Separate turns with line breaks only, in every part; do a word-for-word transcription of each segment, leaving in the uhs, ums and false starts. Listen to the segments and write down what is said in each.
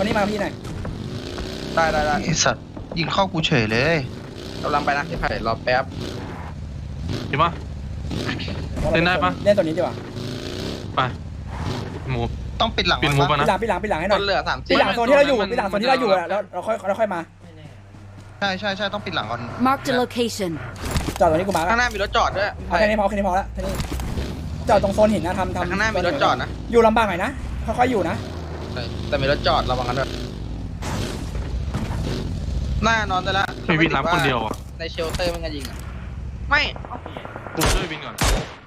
คนนี้มาพี่หน่อย
ได้ได้ได้
ไอสัตว์ยิงเข้ากูเฉยเลย
กำลังไปนะพี่ไผ่รอแป๊บ
เห็นปะเล่นได้ปะ
เล่นตัวนี้ดีกว่า
ไปหมู
ต้องปิดหลัง
ปิดหมูปะนะ
ปิดหลังปิดหลังปิดหลังให้หน่อย
เหลือสาม
ปิดหลังโซนที่เราอยู่ปิดหลังโซนที่เราอยู่แล้วเราค่อยเราค่อยมา
ใช่ใช่ใช่ต้องปิดหลังก่อน
Mark the location
จอดตรงนี้กูมา
ข้างหน้ามีรถจอดด้วย
เอาแค่นี้พอแค่นี้พอแล้วแค่นี้จอดตรงโซนหินนะทำทำ
ข้างหน้ามีรถจอดนะ
อยู่ลำบากหน่อยนะค่อยๆอยู่นะ
แต่มีรถจอดระวังกันด้วยหน้านอนได้ละ
ไม่วินรับคนเดียวอ่ะ
ในเชลเตอร์มันจะยิงอ่ะไม่
กูช่วยวินก่อน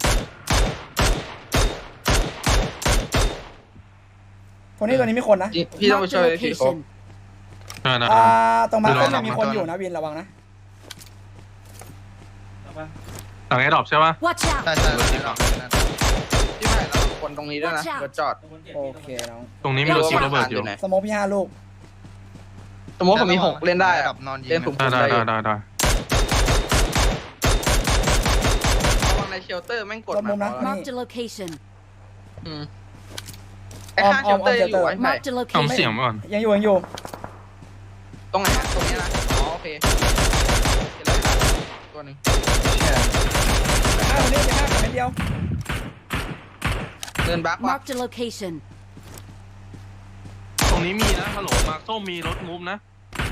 คนนี้ตัวนี้มีคนนะ
พี่ต้องไปช่วยพี่เขา
อ่าตรงมาร์คก็มีคนอยู่นะวินระวังนะ
หลังไอ้ดรอปใช่ปะ
ใช่ใช่
พี่ไผ่เราคนตรงนี้ด้วยนะรถจอด
โอเคน้อง
ตรงนี้มีรถจีระเบิดอยู่
สโมกพี่ห้าลูก
สมมติผมมีหกเล่นได้อะเล่นสูงๆ
ได้ได้ได้ได้
ระวังในเชลเตอร์แม่งกดมา
Mark the location
อืมไอ้ข้างเชลเตอร์อยู่ไอ้ไผ่
ทำเสียงก่อน
ยังอยู่ยังอยู่
ตรงไหนตรงนี้นะอ๋อโอเคตัวหนึ่ง
ห้าคนนี้จะห้าคนเดียว
เดินบัก
Mark the location
ตรงนี้มีนะฮัลโหลมาร์คส้มมีรถมูฟนะ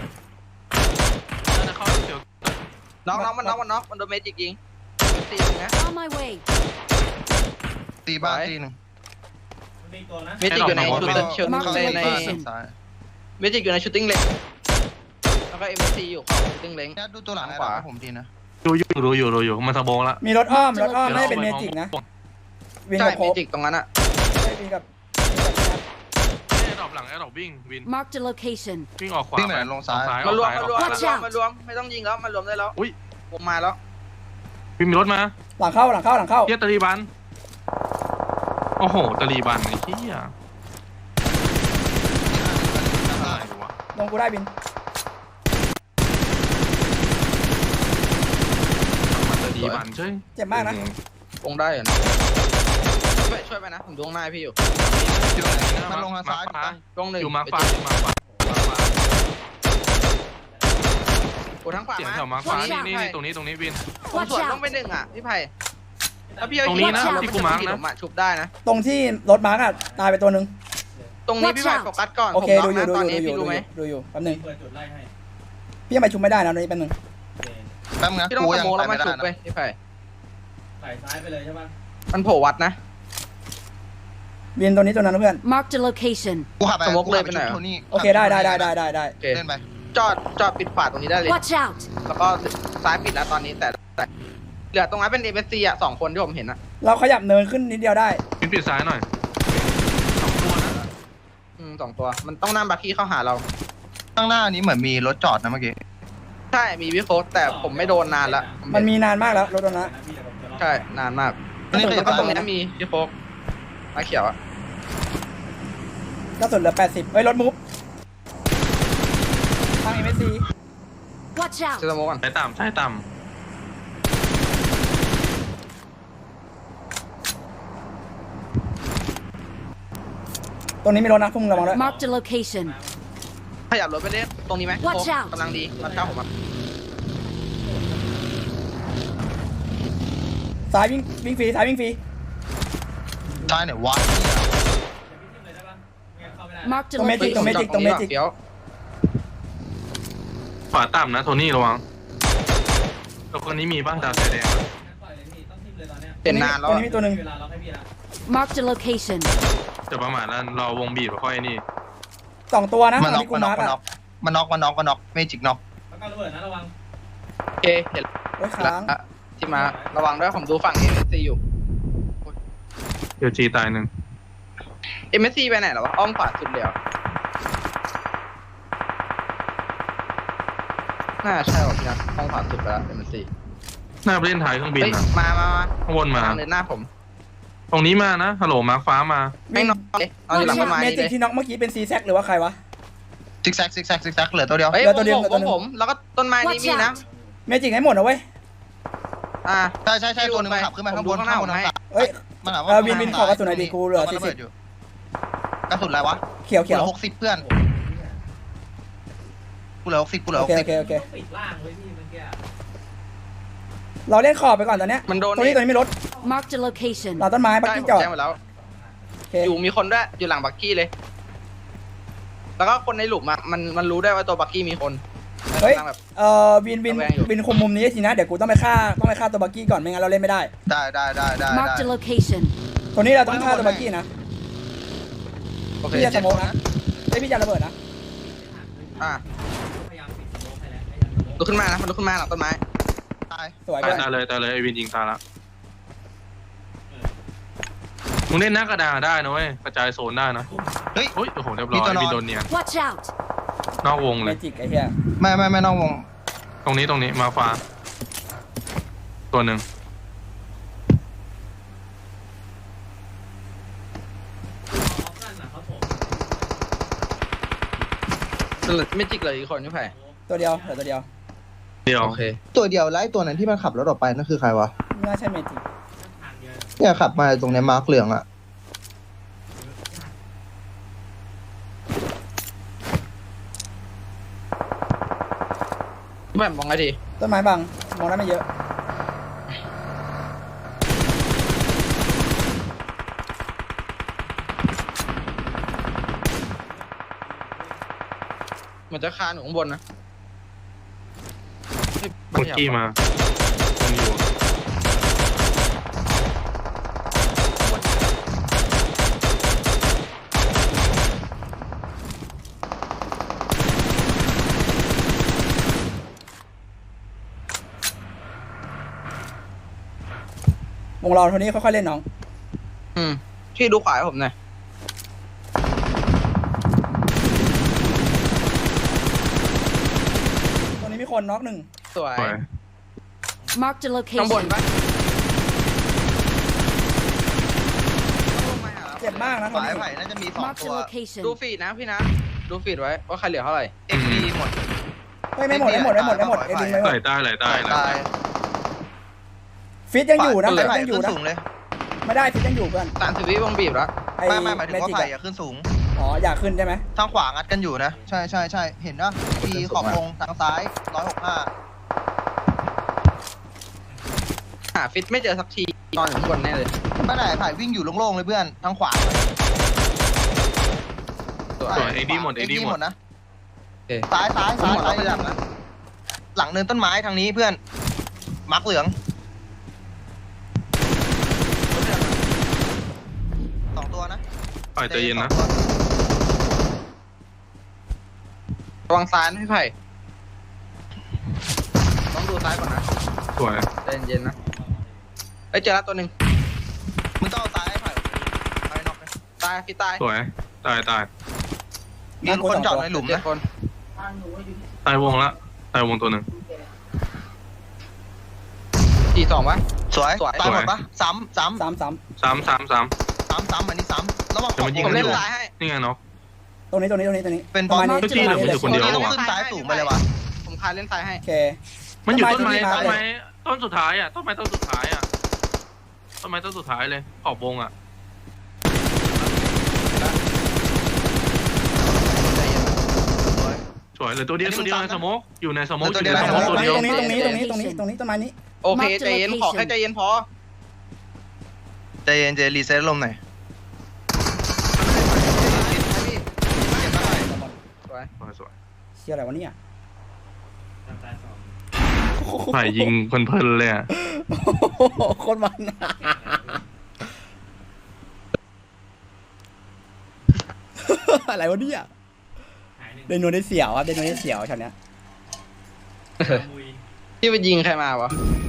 น่าจะเข้าเดี๋ยว
น็อกน็อกมันน็อกมันน็อกมันโดนเมจิกยิงตีตรงนี้
On my way
ตีบ้าตีหนึ่ง
เมจิกอยู่ในชุดเชิงในในเมจิกอยู่ในชูตติ้งเล็กแล้วก็เอ็มซีอยู่ของชูตติ้งเล็ก
ดูตัวหลังขวาผมดีนะ
ดูอยู่ดูอยู่ดูอยู่มาสะโบงละ
มีรถอ้อมรถอ้อมไม่เป็นเมจิกนะ
ใช่เมจิกตรงนั้นอะ
ใช่วินกับ
ไอ้ดรอปหลังไอ้ดรอปวิ่งวิน
Mark the location
วิ่งออกขวา
วิ่งไปลงซ้าย
มารวมมารวมมารวมมารวมไม่ต้องยิงแล้วมารวมได้แล้ว
อุ้ย
ผมมาแล้ว
วินมีรถมา
หลังเข้าหลังเข้าหลังเข้า
เฮียตาลีบันโอ้โหตาลีบันไอ้เหี้ย
ลงกูได้บิน
มาตาลีบันใช่
เจ็บมากนะ
ลงได้เหรอช่วยช่วยไปนะผมดูข้างหน้าพี่อยู่
มันลงทางซ้าย
ลงหนึ่ง
อยู่มาฟ้าอยู่มาฟ้า
โอ้ทั้งขวา
เสียงแถวมาฟ้านี่นี่ตรงนี้ตรงนี้วิน
ผมสวนต้องไปหนึ่งอ่ะพี่ไผ่แล้วพี่
ตรงนี้นะที่กูมาร์กนะ
ชุบได้นะ
ตรงที่รถมาร์กอ่ะตายไปตัวหนึ่ง
ตรงนี้พี่ไผ่โฟกัสก่อน
โอเคดูอยู่ดูอยู่ดูอยู่ดูอยู่แป๊บนึงพี่ยังไปชุบไม่ได้นะตรงนี้แป๊บนึง
แป๊บนึง
พี่ต้องโมแล้วมาชุบไปพี่ไผ่ใส่ซ้ายไปเลยใช่ปะมันโผล่วัดนะ
เวียนตัวนี้ตัวนั้นเพื่อน
Mark the location
กูขับไปสมกเลยไปไหน
โอเคได้ได้ได้ได้ได้ได้
เล่นไป
จอดจอดปิดฝาตรงนี้ได้เลย
Watch out
แล้วก็ซ้ายปิดแล้วตอนนี้แต่เหลือตรงนั้นเป็นเอเมซีอ่ะสองคนที่ผมเห็นอ่ะ
เราขยับเนินขึ้นนิดเดียวได้
วินปิดซ้ายหน่อยสองตัวนะ
อืมสองตัวมันต้องนั่งบัคกี้เข้าหาเรา
ข้างหน้านี้เหมือนมีรถจอดนะเมื่อกี้
ใช่มีวิโค้ดแต่ผมไม่โดนนานละ
มันมีนานมากแล้วรถตัวนั้น
ใช่นานมากนี่ก็ตรงนี้มีวิโค้ดมาเขียวอ่ะ
ก็สุดเหลือแปดสิบเอ้ยรถมูฟทางเอ็มเอสซี
Watch out
เซตโมก่อน
ใช้ต่ำใช้ต่
ำตรงนี้มีรถนะพุ่งระวังด้วย
Mark the location
ขยับรถไปเล่นตรงนี้ไหมกำลังดีรถเช่าผมอ่ะ
ซ้ายวิ่งวิ่งฟรีซ้ายวิ่งฟรี
ซ้ายไหนวะ
Mark the
ตรงเมจิกตรงเมจิกตรงเมจิก
ขวาต่ำนะโทนี่ระวังตัวคนนี้มีบ้างดาวแดง
เป็นนานแล้ว
ตัวนี้มีตัวหนึ่ง
Mark the location
จะประมาณนั้นรอวงบีบค่อยนี่
สองตัวนะ
มันน็อกมันน็อกมันน็อกมันน็อกมันน็อกเมจิกน็อก
แล้วก็ระเบิดนะระวังโอเคเห็นแล้วที่มาระวังด้วยผมดูฝั่งเอ็มซีอยู่
เดี๋ยวจีตายหนึ่ง
เอ็มซีไปไหนหรอวะอ้อมขวาสุดเดียวน่าใช่หรอพี่นะอ้อมขวาสุดไปแล้วเอ็มซี
หน้าไปเล่นท้ายเครื่องบินนะ
มามา
ข้างบนมา
เลยหน้าผม
ตรงนี้มานะฮัลโหลมาร์คฟ้ามา
ไม่น็อกเลยเอาหลังต้นไม้
เมจิกที่น็อกเมื่อกี้เป็นซีแซกหรือว่าใครวะ
ซิกแซกซิกแซกซิกแซกเหลือตัวเดียว
เหลือตัวเดียวผมผมแล้วก็ต้นไม้นี่มีนะ
เมจิกให้หมดนะเว้ย
อ่า
ใช่ใช่ใช่ตัวนึงขับขึ้นมาข้างบนข้างบนข้าง
เฮ้ยมันถามว่าวินวินขอกระสุนไหนดีกูเหลือสี่สิบ
กระสุนอะไรวะ
เขียวเขียว
หกสิบเพื่อนกูเหลือหกสิบกูเหลือ
โอ
หก
เค
สิ
โอบ เคโอเค
ปิดล่างไว้พี่เมื่อกี้
เราเล่นขอบไปก่อนตอนเนี้ย
มันโดน
ตรงนี้ตรงนี้ไม่รถ
Marked a location.
เราต้นไม้บัก
ใช่
กี้
ผม
จอด
แจ้งไปแล้ว
โอเค
อยู่มีคนด้วยอยู่หลังบักกี้เลย แล้วก็คนในหลุมอ่ะมันมันรู้ได้ว่าตัวบักกี้มีคน
เฮ้ย
กำลังแบบ
เอ่อวินวิน
ระแวงอยู่
วินคุมมุมนี้ทีนะเดี๋ยวกูต้องไปฆ่าต้องไปฆ่าตัวบักกี้ก่อนไม่งั้นเราเล่นไม่ได้
ได้ได้ได้ได้
Marked
ได้
a location.
ตัวนี้เราต้องฆ่าตัวบักกี้นะ
โอเค
พี่จะสโมกนะไอยพี่จะระเบิดนะ
อ่ะ
พยายามปิดสโมกให้แล้วให้ยันสโมก
ลุกขึ้นมานะมันลุกขึ้นมาหลังต้นไม้
ตาย
สวย
ตาย
เพื่อน
ตายเลยตายเลยไอวินยิงตายละมึงเล่นหน้ากระดานได้นะเว้ยกระจายโซนได้นะ
เฮ้ย
โอ้ยโอ้โหเรียบร้อยวินโดนเนียน
Watch out.
นอกวง
เม
เลย
จิกไอ้เหี้ย
ไม่ไม่ไม่นอกวง
ตรงนี้ตรงนี้มาฟ้าตัวหนึ่ง
ออฟกันน่ะเขาผม
ไม่จิกเลยอีกคนนี่ไผ่
ตัวเดียวเหลือตัวเดียว
เดียว
โอเค
ตัวเดียวไล่ตัวนั้นที่มันขับรถออกไปนั่นคือใครวะ
ไม่น่าใช่เมจิก
ทางเดียว
เนี่ยขับมาตรงเนี้ยมาร์คเหลืองอะ
แบบมองไงดี
ต้นไม้บังมองได้ไม่เยอะ
เหมือนจะคานอยู่ข้างบนนะ
เมื่อกี้มายังอยู่
วงเราเท่านี้ค่อยๆเล่นน้อง
อืมพี่ดูขวาให้ผมหน่อย
ตรงนี้มีคนน็อกหนึ่ง
สวย
สวย
Marked a
ข้างบน
location.
ปะ
เจ็บมากนะตรง
ฝ่าย
นี้
ไผ่น่าจะมีสอง
Marked
ตัว
a
ดู
location.
ฟีดนะพี่นะ ดูฟีดไว้ว่าใครเหลือเท่าไหร่
เอ็กซ์ดีหมด
เฮ้ยไม่หมดไม่หมดไม่หมดไม่หมดเอ็นดิงไม่หม
ไหล
ด
ใต้ไหลใต้ไหล
ตา
ใต้
ย
ฟิตยังอยู่นะ
ฝ่าย
ฟิต
ไผ่
ยังอ
ขึ้
ยู่
น
นะ
สูงเลย
ไม่ได้ฟิตยังอยู่เพื่อน
สามสิบวิวงบีบแล้ว
ไอ้
ไม่ไม่หมายถึงว่า
จิก
ไผ่
อะ
อะขึ้นสูง
อ๋ออยากขึ้นใช่ไหม
ทางขวางัดกันอยู่นะ ใช่ใช่ใช่เห็นนะทีขอบวงทางซ้ายร้อยหกห้า
หาฟิตไม่เจอสักทีนอนอยู่ข้างบนแน่เลย
ไม่ไหนไผ่วิ่งอยู่โล่งๆเลยเพื่อนทางขวา
สวย
สวยเอ็กดีหมดเอ็กดีหมด
นะ
โอเค
ซ้ายซ้ายซ้าย
หมดแล้
ซ้า
วย ไม่หลังนะ
หลังเนินต้นไม้ทางนี้เพื่อนมาร์คเหลืองสองตัวนะ
ปล่อยใจเย็นนะ
ระวังซ้ายนะพี่ไผ่ต้องดูซ้ายก่อนนะ
สวย
ใจเย็นๆนะเอ้ยเจอแล้วตัวหนึ่ง
มึงต้องเอาซ้ายให้ไผ่ไผ่น็อกเลย
ตายพี่ตาย
สวยตายตาย
มีคนจอดในหลุม
เจ็ด
นะ
คน
ตายวงละตายวงตัวหนึ่ง
สี่สองวะ
สวย
สวย
ตายหมดปะซ้ำซ้
สามสาม
สามสามสาม
ำซ้ำซ้ำอันนี้ซ้ำระวังข
เดี๋ยว
อบ
มันยิง
ว
ผม
ง
เล่น
ด้วย
ซ้ายให้
นี่ไงน็อก
ตรงนี้ตรงนี้ตรงนี้ตรงนี้
เป็น
ประมาณ
บอล
นี้
เมื่อกี้เหลือ
ประมาณ
อยู่คนเดียว
นี้
ขึ้นซ้ายสูงไปเลยวะ
ผมคานเล่นซ้ายให้
โอเค
มันอยู่ต้นไม้
ต้
ต้
น
น
ไม้
ไม้ต้นสุดท้ายอ่ะต้นไม้ต้นสุดท้ายอ่ะต้นไม้ต้นสุดท้ายเลยขอบวงอ่ะ สวยเหลยตัวเดียวตัวเดียวในสโมกอยู่ในสโมกอยู่ในสโมก
ต
ตั
ร
ว
ง
เดี
นี้
ยว
ตรงนี้ตรงนี้ตรงนี้ตรงนี้ตรงนี้ต้นไม้นี้
โอเคใจเย็นขอแค่ใจเย็นพอ
ใจเย็นใจรีเซ็ตลมหน่อย
สวย
สวยสวย
เชี่ยอะไรวะเนี่ย
ทางซ้ายสอง
ฝ่ายยิงเพลินๆเลยอ่ะ
โคตรมันอะไรวะเนี่ย
หายหนึ่ง
เดนโนได้เสียวครับเดนโนได้เสียวช็อตเนี้ย
มุย
ที่ไปยิงใครมาวะ